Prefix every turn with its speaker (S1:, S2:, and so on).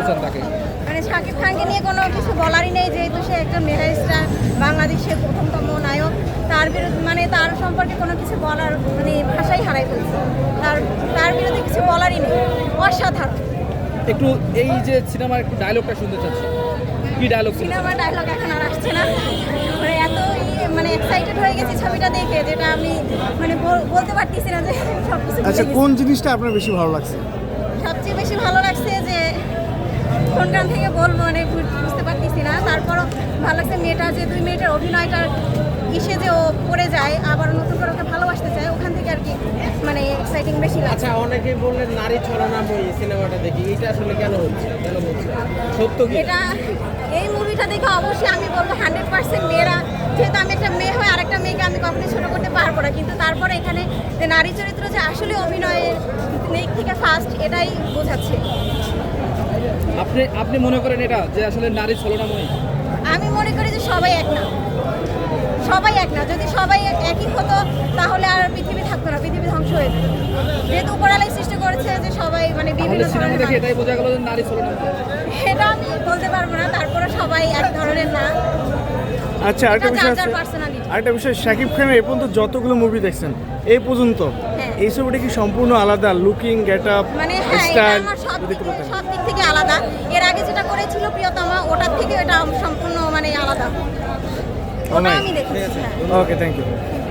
S1: চান তাকে?
S2: মানে শাকিব খানকে নিয়ে কোনো কিছু বলারই নেই, যেহেতু সে একটা মেগা স্টার, বাংলাদেশের প্রথমতম নায়ক। তার বিরুদ্ধে মানে তার সম্পর্কে কোনো কিছু বলার মানে ভাষাই হারাই ফেলছে। তার বিরুদ্ধে কিছু বলারই নেই, অসাধারণ।
S1: একটু এই যে সিনেমার একটু ডায়লগটা শুনতে চাচ্ছি, কি ডায়লগ?
S2: সিনেমার ডায়লগ এখন আর আসছে না, মানে এত মানে এক্সাইটেড হয়ে গেছি ছবিটা দেখে, যেটা আমি মানে বলতে পারতেছি না যে সব কিছু।
S3: আচ্ছা, কোন জিনিসটা আপনার বেশি ভালো লাগছে?
S2: সবচেয়ে বেশি ভালো লাগছে যে কোন গান থেকে বলবো মানে বুঝতে পারতেছি না, তারপরও ভালো লাগছে মেয়েটা, যে 2 মিনিটের অভিনয়টার ইসে যে ও পড়ে যায়, আবার নতুন করে ওকে ভালোবাসতে চায়, ওখান থেকে আর কি মানে এক্সাইটিং বেশি লাগছে।
S4: আচ্ছা, অনেকেই বললেন নারী ছলনাময়ী সিনেমাটা দেখি, এটা আসলে কেন হচ্ছে, কেন হচ্ছে, সত্য কি?
S2: এটা এই মুভিটা দেখে অবশ্যই আমি বলবো 100% মেয়েরা, যেহেতু আমি একটা মেয়ে হয়ে আরেকটা মেয়েকে আমি কখনোই ছোটো করতে পারবো না, কিন্তু তারপরে এখানে যে নারী চরিত্র যে আসলে অভিনয়ের দিক থেকে ফার্স্ট, এটাই বোঝাচ্ছে।
S1: আপনি মনে করেন এটা যে আসলে নারী ছলনাময়ী?
S2: আমি মনে করি যে সবাই এক না, সবাই এক না। যদি সবাই একই হতো তাহলে আর পৃথিবী থাকতো না, পৃথিবী ধ্বংস হয়ে যেত। যেহেতু উপরালাই সৃষ্টি করেছে যে সবাই মানে বিভিন্ন
S1: সিনেমা
S2: ধরনের
S1: দেখে
S2: মানুষ।
S1: এটাই বোঝা গেল যে নারী ছলনাময়ী।
S2: এটা আমি বলতে পারবো না, তারপরে সবাই এক ধরনের না।
S3: আচ্ছা, আরেকটা
S2: এটা
S3: বিষয়
S2: যার যার
S3: আছে,
S2: personality।
S3: আরেকটা বিষয়, শাকিব খানের এই পর্যন্ত যতগুলো মুভি দেখছেন এই পর্যন্ত,
S2: হ্যাঁ।
S3: এই ছবিটা কি সম্পূর্ণ আলাদা? লুকিং, গেট আপ,
S2: মানে হ্যাঁ, এটা
S3: স্টাইল,
S2: আমার সব দিক থেকে আলাদা। এর আগে যেটা করেছিল প্রিয়তমা, ওটার থেকে এটা সম্পূর্ণ মানে আলাদা। ওটা আমি দেখেছি। হ্যাঁ।
S3: Okay, thank you.